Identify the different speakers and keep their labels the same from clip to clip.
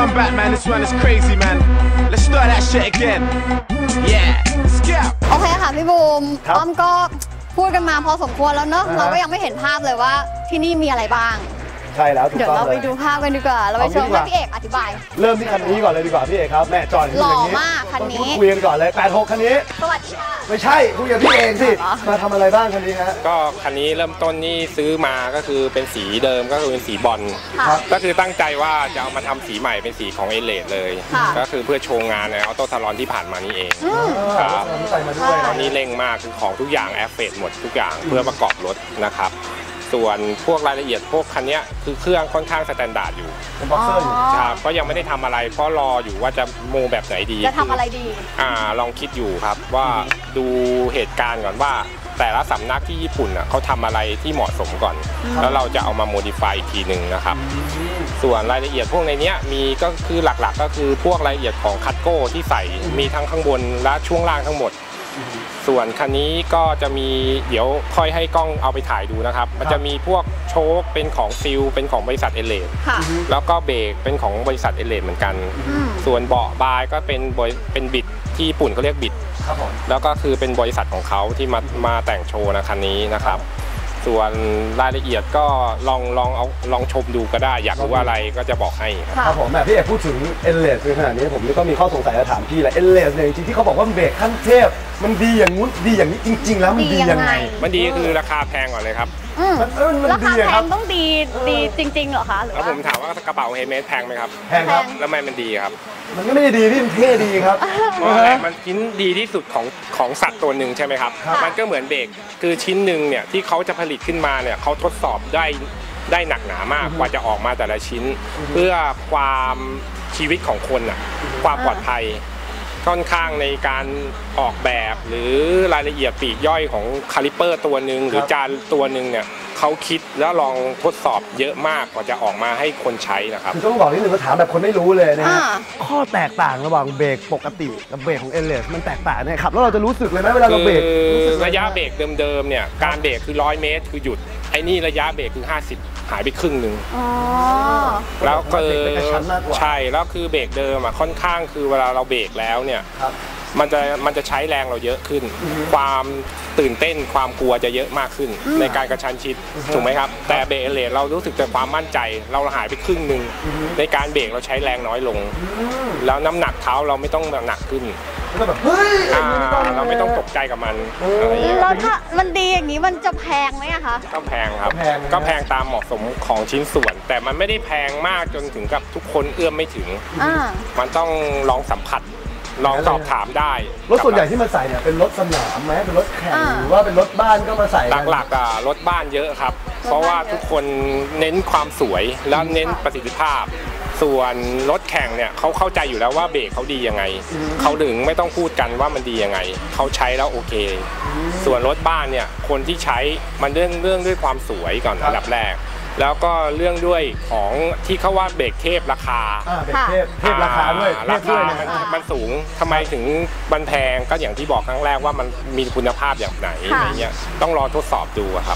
Speaker 1: run back, man. This one is crazy, man. Let's start that shit again. Yeah, let's go.
Speaker 2: โอเคค่ะพี่บูมอ้อมก็พูดกันมาพอสมควรแล้วเนอะเราก็ยังไม่เห็นภาพเลยว่าที่นี่มีอะไรบ้าง
Speaker 3: ใช่แล้วถูกต้องเลยเดี๋ยว
Speaker 2: เราไปดูภาพกันดีกว่าเราไปเชิญพี่เอกอธิบาย
Speaker 3: เริ่มที่คันนี้ก่อนเลยดีกว่าพี่เอกครับแม่จอด
Speaker 2: หล่อมากคันนี้
Speaker 3: คุยกันก่อนเลย86คันนี้
Speaker 2: สวัสดีค่ะ
Speaker 3: ไม่ใช่คุยกับพี่เองสิมาทำอะไรบ้างคันนี้ฮะ
Speaker 4: ก็คันนี้เริ่มต้นนี่ซื้อมาก็คือเป็นสีเดิมก็คือเป็นสีบอลก็คือตั้งใจว่าจะเอามาทำสีใหม่เป็นสีของเอเลดเลยก็คือเพื่อโชว์งานในออโต้ซาลอนที่ผ่านมานี่เองครับตอนนี้เร่งมากคือของทุกอย่างแอฟเฟกหมดทุกอย่างเพื่อประกอบรถนะครับส่วนพวกรายละเอียดพวกคันนี้คือเครื่องค่อนข้างสแตนดาร์ดอยู่
Speaker 3: เป็นบ็อกเซอร์อยู่
Speaker 4: ครับก็ยังไม่ได้ทำอะไรเพราะรออยู่ว่าจะโมแบบไหนดี
Speaker 2: จะทำอะไรดี
Speaker 4: ลองคิดอยู่ครับว่าดูเหตุการณ์ก่อนว่าแต่ละสำนักที่ญี่ปุ่นเขาทำอะไรที่เหมาะสมก่อนแล้วเราจะเอามาโมดิฟายอีกทีหนึ่งนะครับส่วนรายละเอียดพวกในนี้มีก็คือหลักๆก็คือพวกรายละเอียดของคัตโก้ที่ใส่มีทั้งข้างบนและช่วงล่างทั้งหมดส่วนคันนี้ก็จะมีเดี๋ยวค่อยให้กล้องเอาไปถ่ายดูนะครับมันจะมีพวกโชคเป็นของซิลเป็นของบริษัทเอเลดแล้วก็เบรกเป็นของบริษัทเอเลดเหมือนกันส่วนเบาะบายก็เป็นบิดที่ญี่ปุ่นเขาเรียกบิดแล้วก็คือเป็นบริษัทของเขาที่มาแต่งโชว์นะคันนี้นะครับส่วนรายละเอียดก็ลองชมดูก็ได้อยากรู้อะไรก็จะบอกให้
Speaker 3: ครับผมพี่เอกพูดถึงเอเลสในขณะนี้ผมก็มีข้อสงสัยจะถามพี่แหละเอเลสเนี่ยจริงๆที่เขาบอกว่าเบรกขั้นเทพมันดีอย่างงู้นดีอย่างนี้จริงๆแล้วมันดียังไง
Speaker 4: มันดีคือราคาแพงก่อนเลยครับ
Speaker 2: ราคาแพงต้องดีจริงๆเหรอคะ
Speaker 4: แล้วผมถามว่ากระเป๋าเฮเมสแพงไหมครับ
Speaker 3: แพงครับ
Speaker 4: แล้วทำไมมันดีครับ
Speaker 3: มันก็ไม่ได้ดีพี่มันเท่ดีครับ
Speaker 4: เพราะอะไรมันชิ้นดีที่สุดของสัตว์ตัวหนึ่งใช่ไหมครับมันก็เหมือนเบรกคือชิ้นหนึ่งเนี่ยที่เขาจะผลิตขึ้นมาเนี่ยเขาทดสอบได้หนักหนามากกว่าจะออกมาแต่ละชิ้นเพื่อความชีวิตของคนความปลอดภัยค่อนข้างในการออกแบบหรือรายละเอียดปลีกย่อยของคาลิเปอร์ตัวหนึ่งหรือจานตัวหนึ่งเนี่ยเขาคิดแล้วลองทดสอบเยอะมากกว่าจะออกมาให้คนใช้นะครับ
Speaker 3: คือต้องบอกนิดนึงว่าถามแบบคนไม่รู้เลยนะข้อแตกต่างระหว่างเบรกปกติกับเบรกของเอเลสมันแตกต่างเนี่ยครับแล้วเราจะรู้สึกเลยไหมเวลาเราเบรก
Speaker 4: ระยะเบรกเดิมๆเนี่ยการเบรกคือ100 เมตรคือหยุดไอ้นี่ระยะเบรกคือ50หายไปครึ่งหนึ่งแล้วก็ใช่แล้วคือเบรกเดิมค่อนข้างคือเวลาเราเบรกแล้วเนี่ยมันจะใช้แรงเราเยอะขึ้นความตื่นเต้นความกลัวจะเยอะมากขึ้นในการกระชั้นชิดถูกไหมครับแต่เบรกเอเลสเรารู้สึกแต่ความมั่นใจเราหายไปครึ่งหนึ่งในการเบรกเราใช้แรงน้อยลงแล้วน้ำหนักเท้าเราไม่ต้องหนักขึ้นเราไม่ต้องตกใจกับมัน
Speaker 2: แล้วถ้ามันดีอย่างนี้มันจะแพงไหมอะคะ
Speaker 4: ก็แพงครับก็แพงตามเหมาะสมของชิ้นส่วนแต่มันไม่ได้แพงมากจนถึงกับทุกคนเอื้อมไม่ถึงมันต้องลองสัมผัสลองสอบถามได้
Speaker 3: รถส่วนใหญ่ที่มาใส่เนี่ยเป็นรถสนามไหมเป็นรถแข่งหรือว่าเป็นรถบ้านก็มาใส่
Speaker 4: หลักๆรถบ้านเยอะครับเพราะว่าทุกคนเน้นความสวยแล้วเน้นประสิทธิภาพส่วนรถแข่งเนี่ยเขาเข้าใจอยู่แล้วว่าเบรกเขาดียังไงเขาถึงไม่ต้องพูดกันว่ามันดียังไงเขาใช้แล้วโอเคส่วนรถบ้านเนี่ยคนที่ใช้มันเรื่องด้วยความสวยก่อนอันดับแรกแล้วก็เรื่องด้วยของที่เขาว่าเบรกเทพราคา
Speaker 3: เทพราคาด้วย
Speaker 4: ราคามันสูงทำไมถึงมันแพงก็อย่างที่บอกครั้งแรกว่ามันมีคุณภาพอย่างไหนอะไรเงี้ยต้องรอทดสอบดูครับ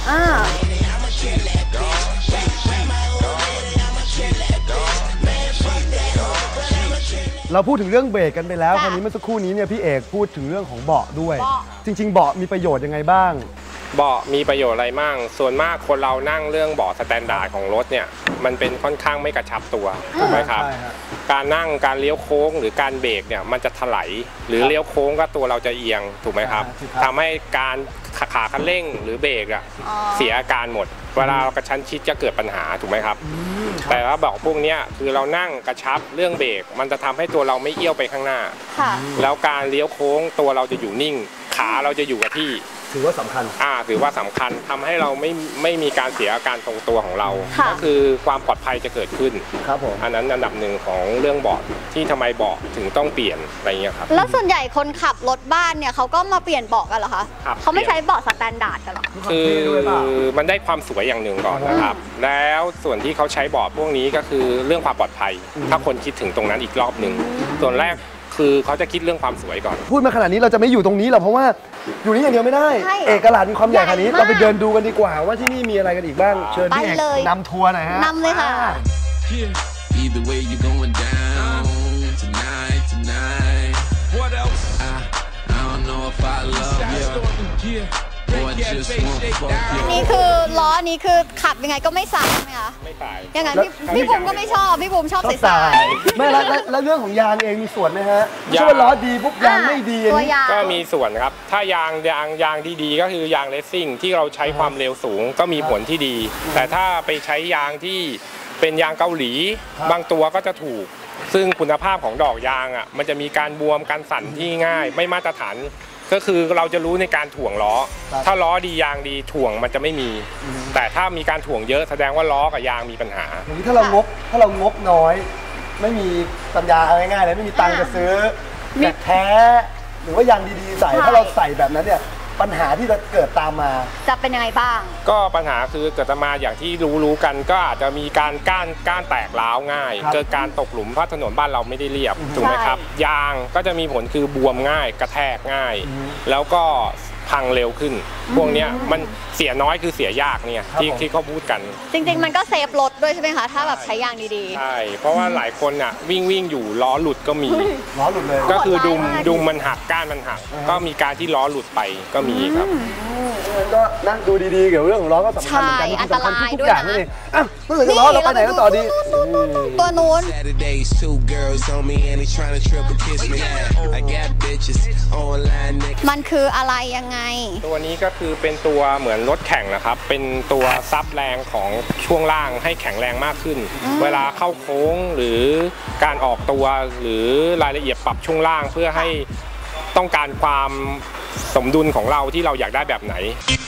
Speaker 3: เราพูดถึงเรื่องเบรกกันไปแล้วคราวนี้เมื่อสักครู่นี้เนี่ยพี่เอกพูดถึงเรื่องของเบาะด้วยจริงๆเบาะมีประโยชน์ยังไงบ้าง
Speaker 4: เบาะมีประโยชน์อะไรมั่งส่วนมากคนเรานั่งเรื่องเบาะสแตนดาร์ดของรถเนี่ยมันเป็นค่อนข้างไม่กระชับตัวถูกไหมครับการนั่งการเลี้ยวโค้งหรือการเบรกเนี่ยมันจะถลายหรือเลี้ยวโค้งก็ตัวเราจะเอียงถูกไหมครับทำให้การขาคันเร่งหรือเบรกเสียอาการหมดเวลากระชั้นชิดจะเกิดปัญหาถูกไหมครับแต่ว่าเบาะพวกนี้คือเรานั่งกระชับเรื่องเบรกมันจะทำให้ตัวเราไม่เอี้ยวไปข้างหน้าแล้วการเลี้ยวโค้งตัวเราจะอยู่นิ่งขาเราจะอยู่กับที่
Speaker 3: ถือว่าสำคัญ
Speaker 4: ถือว่าสำคัญทำให้เราไม่มีการเสียอาการทรงตัวของเราก็คือความปลอดภัยจะเกิดขึ้น
Speaker 3: ครับผม
Speaker 4: อันนั้นอันดับหนึ่งของเรื่องเบาะที่ทำไมเบาะถึงต้องเปลี่ยนอะไรเงี้ยครับ
Speaker 2: แล้วส่วนใหญ่คนขับรถบ้านเนี่ยเขาก็มาเปลี่ยนเบาะกันเหรอคะเขาไม่ใช้เบาะสแตนดาร์ดกันหรอ
Speaker 4: คือมันได้ความสวยอย่างหนึ่งก่อนนะครับแล้วส่วนที่เขาใช้เบาะพวกนี้ก็คือเรื่องความปลอดภัยถ้าคนคิดถึงตรงนั้นอีกรอบหนึ่งส่วนแรกคือเขาจะคิดเรื่องความสวยก่อน
Speaker 3: พูดมาขนาดนี้เราจะไม่อยู่ตรงนี้หรอกเพราะว่าอยู่นี่อย่างเดียวไม่ได้เอกลักษณ์มีความใหญ่ขนาดนี้เราไปเดินดูกันดีกว่าว่าที่นี่มีอะไรกันอีกบ้างเชิญพี่เอกนำทัวร์หน่อยฮะ
Speaker 2: นำเลยค่ะนี่คือล้อนี้คือขับยังไงก็ไม่สายใช่ไหมคะ
Speaker 4: ไม่สาย
Speaker 2: อย่างนั้นพี่บุ๋มก็ไม่ชอบพี่บุ๋มชอบสาย
Speaker 3: ไม่แล้วเรื่องของยางเองมีส่วนไหมฮะไม่ใช่ว่าล้อดีปุ๊บยางไม่ดี
Speaker 2: ตัวยาง
Speaker 4: ก็มีส่วนครับถ้ายางที่ดีก็คือยางเลสซิ่งที่เราใช้ความเร็วสูงก็มีผลที่ดี แต่ถ้าไปใช้ยางที่เป็นยางเกาหลีบางตัวก็จะถูกซึ่งคุณภาพของดอกยางอ่ะมันจะมีการบวมการสั่นที่ง่ายไม่มาตรฐานก็คือเราจะรู้ในการถ่วงล้อถ้าล้อดียางดีถ่วงมันจะไม่มีแต่ถ้ามีการถ่วงเยอะแสดงว่าล้อกับยางมีปัญหา
Speaker 3: อย่างนี้ถ้าเรางบน้อยไม่มีปัญญาเอาง่ายๆเลยไม่มีตังค์จะซื้อแบบแท้หรือว่ายางดีๆใส่ถ้าเราใส่แบบนั้นเนี่ยปัญหาที่จะเกิดตามมา
Speaker 2: จะเป็นยังไงบ้าง
Speaker 4: ก็ปัญหาคือเกิดมาอย่างที่รู้กันก็อาจจะมีการก้านแตกร้าวง่ายเกิดการตกหลุมเพราะถนนบ้านเราไม่ได้เรียบถูกไหมครับยางก็จะมีผลคือบวมง่ายกระแทกง่ายแล้วก็พังเร็วขึ้นพวกนี้มันเสียน้อยคือเสียยากเนี่ยที่เขาพูดกัน
Speaker 2: จริงๆมันก็เซฟรถด้วยใช่ไหมคะถ้าแบบใช้ยางดี
Speaker 4: ๆใช่เพราะว่าหลายคนอ่ะวิ่งอยู่ล้อหลุดก็มี
Speaker 3: ล้อหลุดเลย
Speaker 4: ก็คือดุมมันหักก้านมันหักก็มีการที่ล้อหลุดไปก็มีครับ
Speaker 3: ก็นั่งดูดีๆเกี่ยวกับเรื่องของล้อก็สำคัญเหมือนกัน
Speaker 2: อันตรายด้วยนะ
Speaker 3: เมื่อถึงล้อเราไปไหนกันต่อดี
Speaker 2: ตัวนู้นมันคืออะไรยังไง
Speaker 4: ตัวนี้ก็คือเป็นตัวเหมือนรถแข่งนะครับเป็นตัวซับแรงของช่วงล่างให้แข็งแรงมากขึ้นเวลาเข้าโค้งหรือการออกตัวหรือรายละเอียดปรับช่วงล่างเพื่อให้ต้องการความสมดุลของเราที่เราอยากได้แบบไหน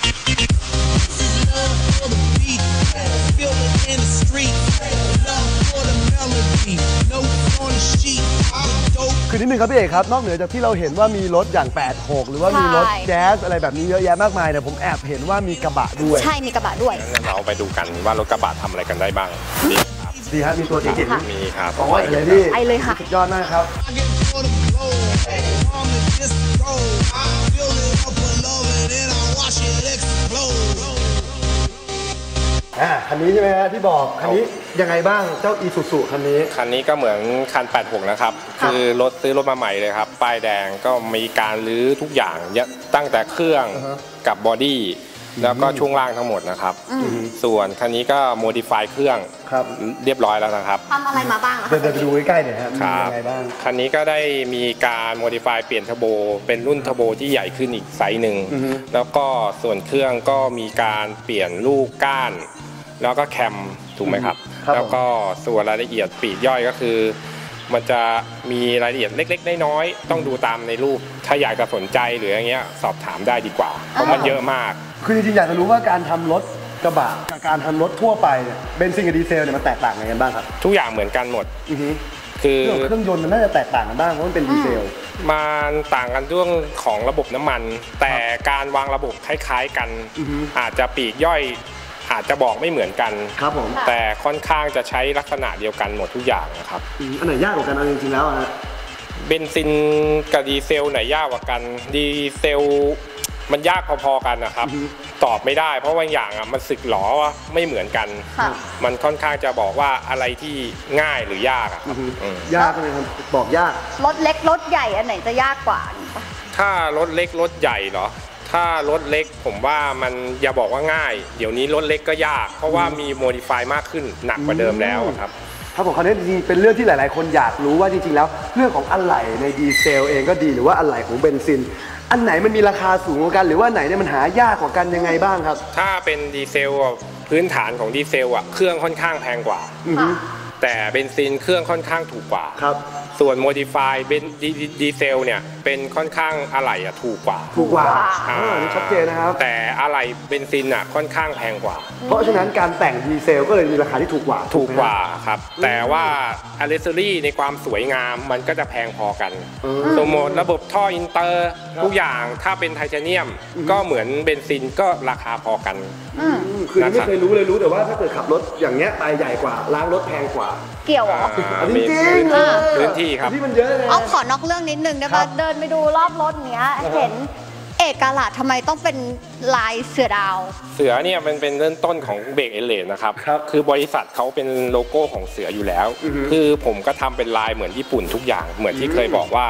Speaker 3: คือนิดนึงครับพี่เอกครับนอกเหนือจากที่เราเห็นว่ามีรถอย่าง86หรือว่ามีรถแจ๊สอะไรแบบนี้เยอะแยะมากมายแต่ผมแอบเห็นว่ามีกระบะด้วย
Speaker 2: ใช่มีกระบะด้วย
Speaker 4: เราไปดูกันว่ารถกระบะทำอะไรกันได้บ้าง
Speaker 3: ดีครับมีตัวเจ๋ง
Speaker 4: ๆมีครับ
Speaker 3: โอ้ยเลยพี่
Speaker 2: ไอเลยค่ะ
Speaker 3: สุดยอดมากครับคันนี้ใช่ไหมฮะที่บอกคันนี้ยังไงบ้างเจ้าอีซูซูคันนี้
Speaker 4: ก็เหมือนคัน86นะครับคือซื้อรถมาใหม่เลยครับป้ายแดงก็มีการรื้อทุกอย่างตั้งแต่เครื่องกับบอดี้แล้วก็ช่วงล่างทั้งหมดนะครับส่วนคันนี้ก็โมดิฟายเครื่องเรียบร้อยแล้วนะครับ
Speaker 2: ทำอะไรมาบ้าง
Speaker 3: เดินไปดูใกล้ๆหน่อยครับมียังไงบ้าง
Speaker 4: คันนี้ก็ได้มีการโมดิฟายเปลี่ยนเทอร์โบเป็นรุ่นเทอร์โบที่ใหญ่ขึ้นอีกไซส์หนึ่งแล้วก็ส่วนเครื่องก็มีการเปลี่ยนลูกก้านแล้วก็แคมถูกไหมครับแล้วก็ส่วนรายละเอียดปลีกย่อยก็คือมันจะมีรายละเอียดเล็กๆน้อยๆต้องดูตามในรูปถ้าอยากจะสนใจหรืออย่างเงี้ยสอบถามได้ดีกว่าเพราะมันเยอะมาก
Speaker 3: คือจริงๆอยากจะรู้ว่าการทำรถกระบะกับการทำรถทั่วไปเนี่ยเบนซินกับดีเซลเนี่ยมันแตกต่างกันบ้างครับ
Speaker 4: ทุกอย่างเหมือนกันหมด
Speaker 3: คือเครื่องยนต์มันน่าจะแตกต่างกันบ้างเพราะมันเป็นดีเซล
Speaker 4: มันต่างกันเรื่องของระบบน้ำมันแต่การวางระบบคล้ายๆกันอาจจะปลีกย่อยอาจจะบอกไม่เหมือนกัน
Speaker 3: ครับผม
Speaker 4: แต่ค่อนข้างจะใช้ลักษณะเดียวกันหมดทุกอย่างนะครับ
Speaker 3: อันไหนยากกว่ากันจริงๆแล้วฮะ
Speaker 4: เบนซินกับดีเซลไหนยากกว่ากันดีเซลมันยากพอๆกันนะครับตอบไม่ได้เพราะบางอย่างมันสึกหรอไม่เหมือนกันมันค่อนข้างจะบอกว่าอะไรที่ง่ายหรือยากครับ
Speaker 3: ยากเลยครับบอกยาก
Speaker 2: รถเล็กรถใหญ่อันไหนจะยากกว่า
Speaker 4: ถ้ารถเล็กรถใหญ่เหรอถ้ารถเล็กผมว่ามันอย่าบอกว่าง่ายเดี๋ยวนี้รถเล็กก็ยากเพราะว่ามีโมดิฟายมากขึ้นหนักกว่าเดิมแล้วครับ
Speaker 3: ถ้าผมคราวนี้จริงเป็นเรื่องที่หลายๆคนอยากรู้ว่าจริงๆแล้วเรื่องของอะไหล่ในดีเซลเองก็ดีหรือว่าอะไหล่ของเบนซินอันไหนมันมีราคาสูงกว่ากันหรือว่าไหนเนี่ยมันหายากกว่ากันยังไงบ้างครับ
Speaker 4: ถ้าเป็นดีเซลพื้นฐานของดีเซลเครื่องค่อนข้างแพงกว่าแต่เบนซินเครื่องค่อนข้างถูกกว่า
Speaker 3: ครับ
Speaker 4: ส่วนโมดิฟายเป็นดีเซลเนี่ยเป็นค่อนข้างอะไหล่ถูกกว่า
Speaker 3: นี่ชัดเจนนะครับ
Speaker 4: แต่อะไหล่เบนซินค่อนข้างแพงกว่า
Speaker 3: เพราะฉะนั้นการแต่งดีเซลก็เลยมีราคาที่ถูกกว่า
Speaker 4: ครับแต่ว่าอะเซสซอรี่ในความสวยงามมันก็จะแพงพอกันสมมติระบบท่ออินเตอร์ทุกอย่างถ้าเป็นไทเทเนียมก็เหมือนเบนซินก็ราคาพอกัน
Speaker 3: คือไม่เคยรู้แต่ว่าถ้าเกิดขับรถอย่างเงี้ยไปใหญ่กว่าล้างรถแพงกว่า
Speaker 2: เกี่ยวเหรอ
Speaker 3: จริง
Speaker 4: พื้นที่ครับ
Speaker 3: ที่มันเยอะเลย
Speaker 2: เอาขอนอกเรื่องนิดนึงได้ป่ะเดินไปดูรอบรถเนี้ยเห็นเอกลักษณ์ทำไมต้องเป็นลายเสือดาว
Speaker 4: เสือเนี่ยมันเป็นเริ่มต้นของเบรกเอเลนนะครับคือบริษัทเขาเป็นโลโก้ของเสืออยู่แล้วคือผมก็ทำเป็นลายเหมือนญี่ปุ่นทุกอย่างเหมือนที่เคยบอกว่าไท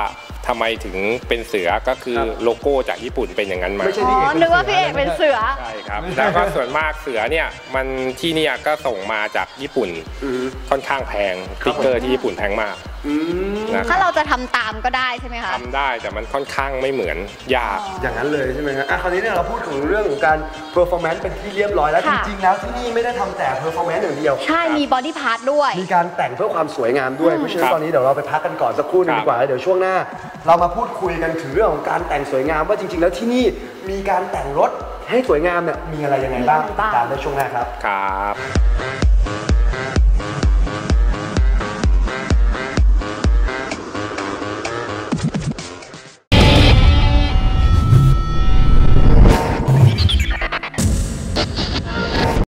Speaker 4: ทำไมถึงเป็นเสือก็คือโลโก้จากญี่ปุ่นเป็นอย่างนั้นมา
Speaker 3: ไม่ใช่
Speaker 2: อ๋
Speaker 3: พี่
Speaker 2: อ
Speaker 3: เอก
Speaker 2: นึกว่าพี่เอกเป็นเสือ
Speaker 4: ใช่ครับ แล้วก็ส่วนมากเสือเนี่ยมันที่เนี่ยก็ส่งมาจากญี่ปุ่นค่อนข้างแพงสติ๊กเกอร์ที่ญี่ปุ่นแพงมากนะค
Speaker 2: ถ้า
Speaker 4: รับ
Speaker 2: เราจะทำตามก็ได้ใช่ไหมคะ
Speaker 4: ทำได้แต่มันค่อนข้างไม่เหมือนยาก
Speaker 3: อย่างนั้นเลยใช่ไหมครับคราวนี้เนี่ยเราพูดถึงเรื่องของการ performance เป็นที่เรียบร้อยแล้วจ
Speaker 2: ค่ะ
Speaker 3: ริงๆแล้วที่นี่ไม่ได้ทำแต่ performance อย่างเดียว
Speaker 2: ใช่มีบอดี้พาร์ทด้วย
Speaker 3: มีการแต่งเพื่อความสวยงามด้วยเพราะฉะนั้นตอนนี้เดี๋ยวเราไปพักกันก่อนสักครู่หนึง
Speaker 4: ครับ
Speaker 3: ดีกว่าแล้วเดี๋ยวช่วงหน้า เรามาพูดคุยกันถึงเรื่องของการแต่งสวยงามว่าจริงๆแล้วที่นี่มีการแต่งรถให้สวยงามเนี่ยมีอะไรยังไงบ้าง
Speaker 2: มีอะไรบ้าง
Speaker 3: ตามในช่วงหน้าครับ
Speaker 4: ครับ